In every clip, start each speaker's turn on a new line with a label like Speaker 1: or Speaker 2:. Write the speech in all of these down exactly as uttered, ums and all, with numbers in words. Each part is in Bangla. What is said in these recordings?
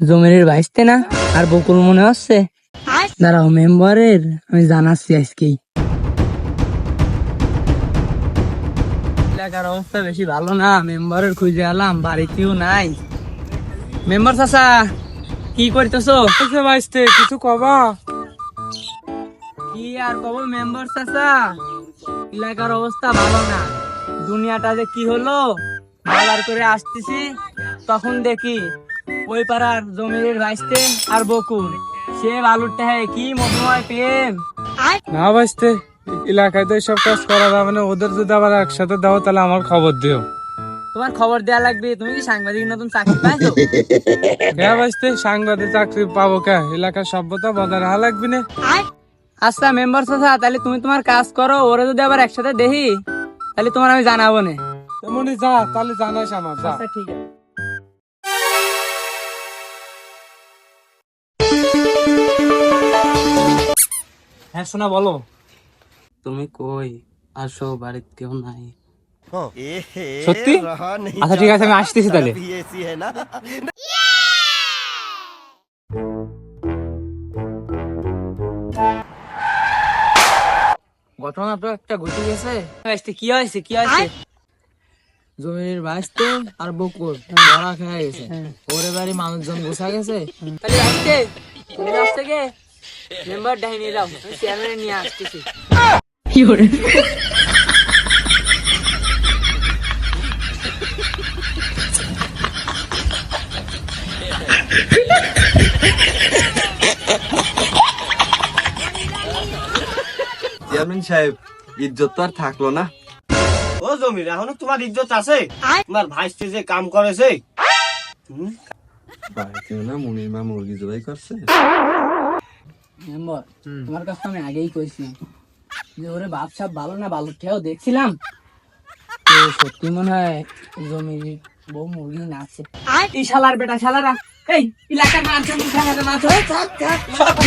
Speaker 1: জমির ভাইসতে না আর বকুল মনে হচ্ছে। দাঁড়াও, মেম্বারের আমি জানাচ্ছি আজকেই। এলাকার অবস্থা বেশি ভালো না, মেম্বারের খুঁজে এলাম, বাড়িতেও নাই। মেম্বার চাচা কি করতেছো?
Speaker 2: ভাইস্তে কিছু কবা?
Speaker 1: কি আর কব মেম্বার চাচা, এলাকার অবস্থা ভালো না। দুনিয়াটা যে কি হলো, বাজার করে আসতেছি তখন দেখি ওই পাড়ার জমির ভাইস্তে আর বকুল, সে বালুরটা কি মধুময় প্রেম।
Speaker 2: না ভাইস্তে, এলাকায় তো সব কাজ করা যাবে না, ওদের যদি আবার একসাথে দাও তাহলে আমার খবর দিও।
Speaker 1: তোমার খবর দেয়া লাগবে, তুমি কি সাংবাদিক নতুন চাকরি পাইছো?
Speaker 2: হ্যাঁ ভাইস্তে, সাংবাদিক চাকরি পাবো কে? এলাকার সভ্যতা বজায় রাখা লাগবে না।
Speaker 1: আচ্ছা মেম্বার চাচা, তাহলে তুমি তোমার কাজ করো, ওরা যদি আবার একসাথে দেখি তাহলে তোমার আমি জানাবো না।
Speaker 2: তেমনি যা, তাহলে জানাইস আমার, যা।
Speaker 1: আচ্ছা ঠিক আছে।
Speaker 2: হ্যাঁ শোনা, বলো।
Speaker 1: তুমি কই? আসো, বাড়িতে কেউ নাই।
Speaker 2: সত্যি? আচ্ছা ঠিক আছে, আমি আসতেছি তাহলে।
Speaker 1: ঘটনা তো একটা ঘটে গেছে। কি হয়েছে কি হয়েছে? জমির ভাইস্তে আর বকুল ধরা খেয়ে গেছে, ওরে বাড়ি মানুষজন বসা গেছে। তাহলে আসতে তুমি আসতে গে মেম্বার ডাইনি রাও, আমি চেয়ারম্যান নিয়ে আসতেছি। কি করে?
Speaker 3: চেয়ারম্যান সাহেব, ইজ্জত তো আর থাকলো না।
Speaker 4: ও জমির, এখনো তোমার ইজ্জত আছে? তোমার ভাইস্তে যে কাম করেছে।
Speaker 3: বাড়িতে না মুনির মা মুরগি জবাই করছে।
Speaker 1: মেম্বার, তোমার কাছে আমি আগেই কইছিলাম যে ওরে বাপ সাপ ভালো না, ভালো খেয়েও দেখছিলাম তো সত্যি মনে হয় জমির বউ মুরগি নাচে। এই শালার বেটা শালারা, এই এলাকার মানুষের মুখে হাতে নাচ। থাক থাক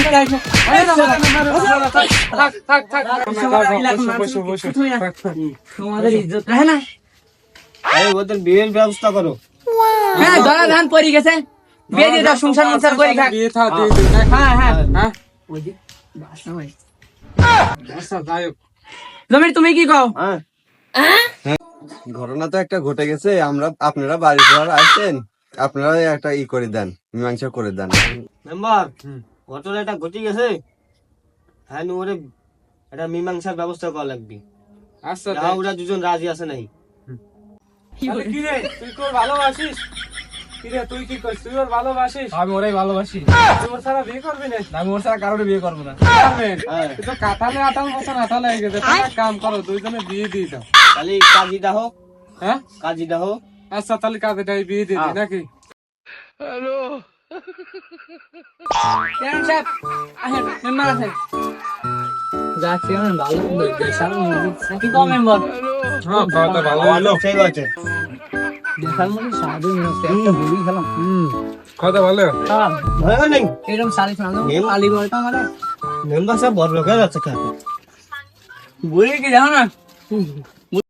Speaker 2: থাক থাক, বসো বসো।
Speaker 1: তোমাদের ইজ্জত রাখে না।
Speaker 4: এই ওদের বিয়ের ব্যবস্থা করো।
Speaker 1: হ্যাঁ, ধরা ধান পড়ে গেছে, বিয়ে দিয়ে দাও, সংসার মনসার করে খাক।
Speaker 2: বিয়ে থা দিয়ে দিন।
Speaker 1: হ্যাঁ হ্যাঁ
Speaker 2: হ্যাঁ
Speaker 1: ওই যে বাসা ভাই।
Speaker 2: আচ্ছা যাই হোক।
Speaker 1: জমির তুমি কি কও?
Speaker 4: হ্যাঁ,
Speaker 3: ঘটনা তো একটা ঘটে গেছে, আমরা আপনারা বাড়ি ঘর আসছেন, আপনারা একটা ই করে দেন, মীমাংসা করে দেন।
Speaker 4: মেম্বার, ঘটনাটা ঘটে গেছে। হ্যাঁ, ওরে একটা মীমাংসার ব্যবস্থা করা লাগবে।
Speaker 2: আচ্ছা
Speaker 4: যা ওরা দুজন রাজি আছে নাই।
Speaker 2: তাহলে কি রে, তুই তোর ভালোবাসিস? কি রে, তুই কি করিস? তুই ওর ভালোবাসিস? আমি ওরাই ভালোবাসি। তুই ওর ছাড়া বিয়ে করবি না? আমি ওর ছাড়া কারোর বিয়ে করবো না। তুই তো কাঁঠালে আটাল মতন আটাল হয়ে গেছে, তুমি এক কাম করো, দুইজনে বিয়ে দিয়ে দাও।
Speaker 4: তাহলে কাজীটা হোক।
Speaker 2: হ্যাঁ
Speaker 4: কাজীটা হোক।
Speaker 2: আচ্ছা, তাহলে কাজেটাই বিয়ে দিয়ে দিই নাকি?
Speaker 1: চেয়ারম্যান সাহেব আসেন, মেম্বার আছেন। যা চেয়ারম্যান ভালো দেশাল মুরগি কি কম মেম্বার?
Speaker 2: হ্যাঁ, খাওয়াটা ভালো হলো।
Speaker 4: ঠিক আছে।
Speaker 1: দেশাল মুরগি স্বাদই হচ্ছে, একটা বুড়ি খেলাম।
Speaker 2: হুম, খাওয়াটা ভালো।
Speaker 1: হ্যাঁ,
Speaker 4: ভয় নেই।
Speaker 1: এরকম সারি শোনানো আলি বলতো আমাদের
Speaker 4: মেম্বার সাহেব বড় লোক হয়ে যাচ্ছে।
Speaker 1: বুড়ি কি জানো না?